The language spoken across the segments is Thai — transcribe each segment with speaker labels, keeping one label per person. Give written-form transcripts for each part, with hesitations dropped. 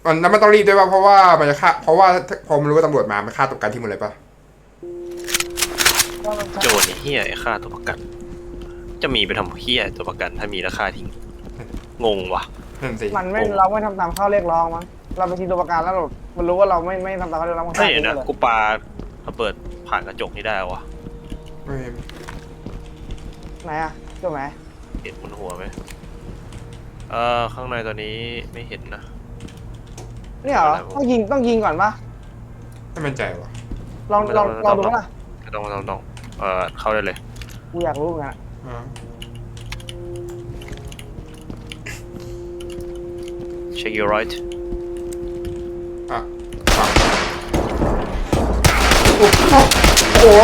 Speaker 1: มันต้องรีบด้วยป่ะเพราะว่ามันจะฆ่าเพราะว่าพอมันรู้ว่าตำรวจมามันฆ่าตัวประกันทิ้งหมดเลยป่ะ
Speaker 2: โจรนี่เฮียไอ้ฆ่าตัวประกันจะมีไปทำเฮียตัวประกันถ้ามีราคาทิ้งงงว่ะ
Speaker 1: นั่นสิ
Speaker 3: เราไม่ทำตามข้อเรียกร้องมั้งเราไปทิ้งตัวประกันแล้วมันรู้ว่าเราไม่ทำตามข้อเรียกร้องมัน
Speaker 2: ไม่เห็นนะกูปาระเบิดผ่านกระจกนี่ได้วะ
Speaker 1: ไม่
Speaker 3: ไหนอะเจ้าไหม
Speaker 2: เห็นบนหัวไหมข้างในตอนนี้ไม่เห็นนะ
Speaker 3: เนี่ยเหรอต้องยิงก่อนปะ
Speaker 1: ไม่มั่นใจว่ะ
Speaker 3: ลองดูป่ะ
Speaker 2: ต้องเข้าได้เลย
Speaker 3: กูอยากรู้เหมือนกัน
Speaker 2: check your right
Speaker 1: อ่ะโอ้โห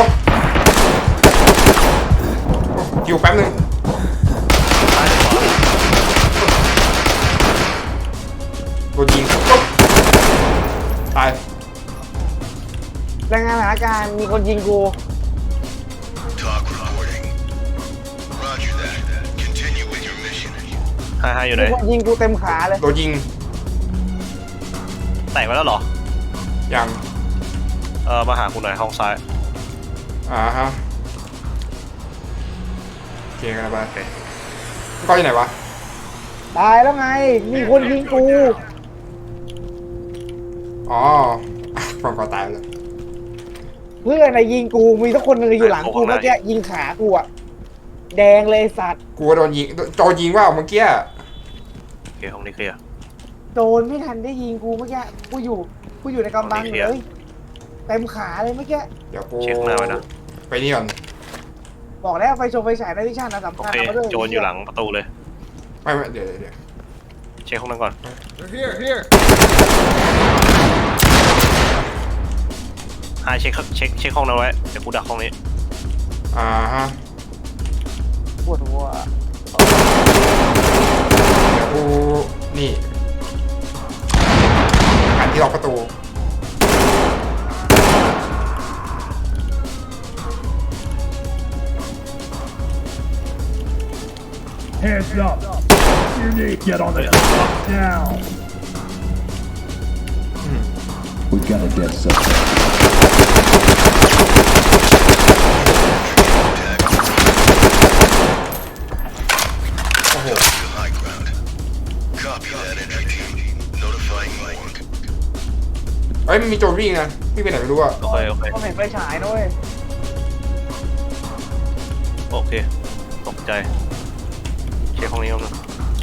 Speaker 1: คิวแป๊บนึงโดนยิงตาย
Speaker 3: รายงานสถานการณ์มีคนยิงกู
Speaker 2: ให้อยู่ไหน
Speaker 3: ยิงกูเต็มขาเลย
Speaker 1: โดนยิง
Speaker 2: แตกไปแล้วเหรอ
Speaker 1: ยัง
Speaker 2: มาหาคุณหน่อยห้องซ้าย
Speaker 1: ฮะโอเคกันไปก็อยู่ไหนวะ
Speaker 3: ตายแล้วไงมีคนยิงกู
Speaker 1: อ๋อฟังก็ตายแล้ว
Speaker 3: เพื่อนยิงกูมีทุกคนนึงอยู่หลังกูเมื่อกี้ยิงขากูอะแดงเลยสัตว์
Speaker 1: กูโดนยิงว่าเมื่อกี้
Speaker 2: โอเคห้องนี้เคลียร์
Speaker 3: โดนไม่ทันได้ยิงกูเมื่อกี้กูอยู่ในกำบังเลยเต็มขาเลยเมื่อกี้
Speaker 1: เดี๋ยวกู
Speaker 2: เช็คหน้าไว้นะ
Speaker 1: ไปนี่ก่อน
Speaker 3: บอกแล้วไฟฉายในวิชานะสำคัญมาด้วย
Speaker 2: โจรอยู่หลังประตูเลย
Speaker 1: ไม่เดี๋ยว
Speaker 2: เช็คห้องนั้นก่อนเช็คห้องนั้นไว้เดี๋ยวกูดักห้องนี้
Speaker 1: ฮะ
Speaker 3: ปวดหัว
Speaker 1: เดี๋ยวกูนี่หันที่ล็อกประตู
Speaker 4: Hands up. You need to get on the down. We gotta get something.
Speaker 5: High ground. Copy that entry team. Notifying morgue.
Speaker 1: เฮ้ยมันมีโจรวิ่งนะวิ่งไปไหนไม่รู้อะ
Speaker 2: โอเค
Speaker 3: ก็เห็นไฟฉายด้วย
Speaker 2: โอเคตกใจเช็คห้องนี้ก่อนนะ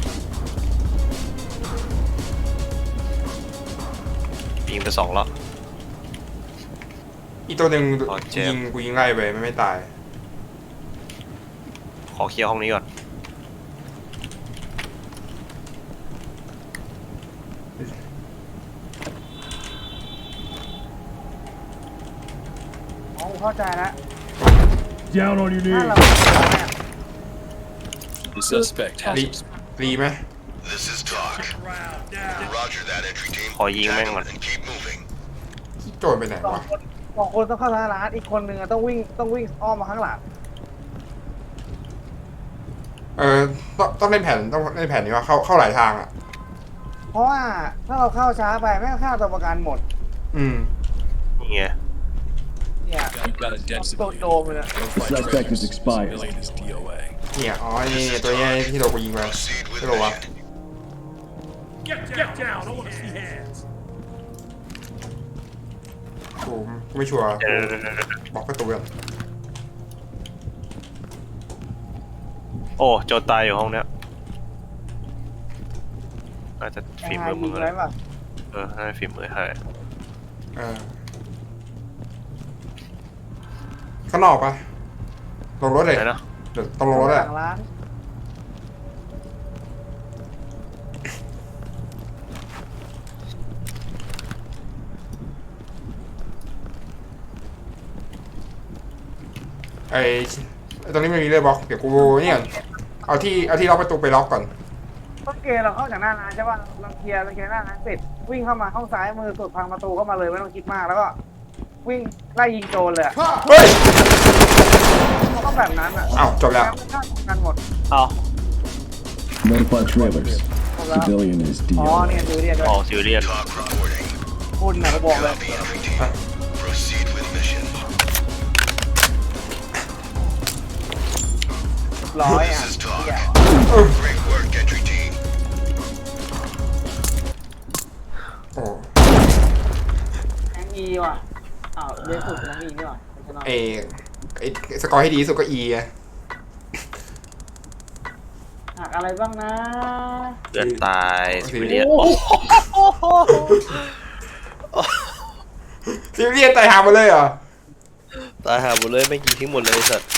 Speaker 2: ยิงไป2แล้ว
Speaker 1: อีตัวหนึ่งกูยิงไล่ไปไม่ตาย
Speaker 2: ขอเคลียร์ห้องนี้ก่อน
Speaker 3: เข้าใจแล้ว
Speaker 4: Down on your knees.
Speaker 5: The suspect has
Speaker 1: รีไหม
Speaker 5: This is talk. Roger that entry team.
Speaker 2: ขอยิงแม่งก่อน
Speaker 5: And keep moving.
Speaker 1: โจรไปไหนวะ
Speaker 3: สองคนต้องเข้าทางร้านอีกคนนึงต้องวิ่งอ้อมมาข้างหลัง
Speaker 1: ต้องเล่นแผนนี้ว่าเข้าหลายทางอ่ะ
Speaker 3: เพราะว่าถ้าเราเข้าช้าไปแม่งฆ่าตัวประกันหมด
Speaker 2: นี่ไง
Speaker 3: เนี่ยตัวโดมเลยนะ
Speaker 4: Suspect is expired.
Speaker 1: เนี่ยอ๋อนี่ตัวนี้ที่เรากูยิงไปไม่รู้วะกูไม่ชัวร์บอกประตูก่อน
Speaker 2: โอ้โจรตายอยู่ห้องเนี้ยน่าจะฝีมือมึงเลยน่าจะฝีมือให้
Speaker 1: ข้างนอกปะลงรถเลย
Speaker 2: นะ
Speaker 1: ต้องลงรถเลยตรงนี้ไม่มีเลยบล็อกเดี๋ยวกูนี่ก่อนเอาที่ล็อกประตูไปล็อกก่อน
Speaker 3: ต้นเกเราเข้าจากหน้าร้านใช่ป่ะเราเคลียร์หน้าร้านเสร็จวิ่งเข้ามาห้องซ้ายมือสุดพังประตูเข้ามาเลยไม่ต้องคิดมากแล้วก็วิ่งไล่ยิงโจรเลย
Speaker 1: เฮ้ย
Speaker 3: เขาต้องแบบนั้นอ่ะ
Speaker 1: จบแล้ว
Speaker 3: กันหมด
Speaker 4: Notify trailers.
Speaker 3: โอ้
Speaker 4: Civilian is
Speaker 3: อ๋อ
Speaker 4: deal.
Speaker 3: เนี่ยดูเรียนด้วย
Speaker 2: ออกซิเรียน
Speaker 5: Talk reporting.
Speaker 3: คุณนะก็บอกเลย
Speaker 5: Copy entry team. Proceed with mission.
Speaker 3: ร้อยอ่ะ
Speaker 5: This is talk.
Speaker 3: เหี้ย
Speaker 5: Great work, entry team.
Speaker 1: โอ้
Speaker 3: แองอีว่ะอ้าวเรียนสุดน้องอีนี่ว่ะไม่ใช่น้อง
Speaker 1: ไอสกอร์ที่ดีที่สุดก็ E อะ
Speaker 3: หักอะไรบ้างนะ
Speaker 2: เพื่อนตายซิเรียน
Speaker 3: โอ้โห
Speaker 1: ซิเรียนตายหาหมดเลยเหรอ
Speaker 2: ตายหาหมดเลยไม่งยิงทิ้งหมดเลยไอ้สัตว์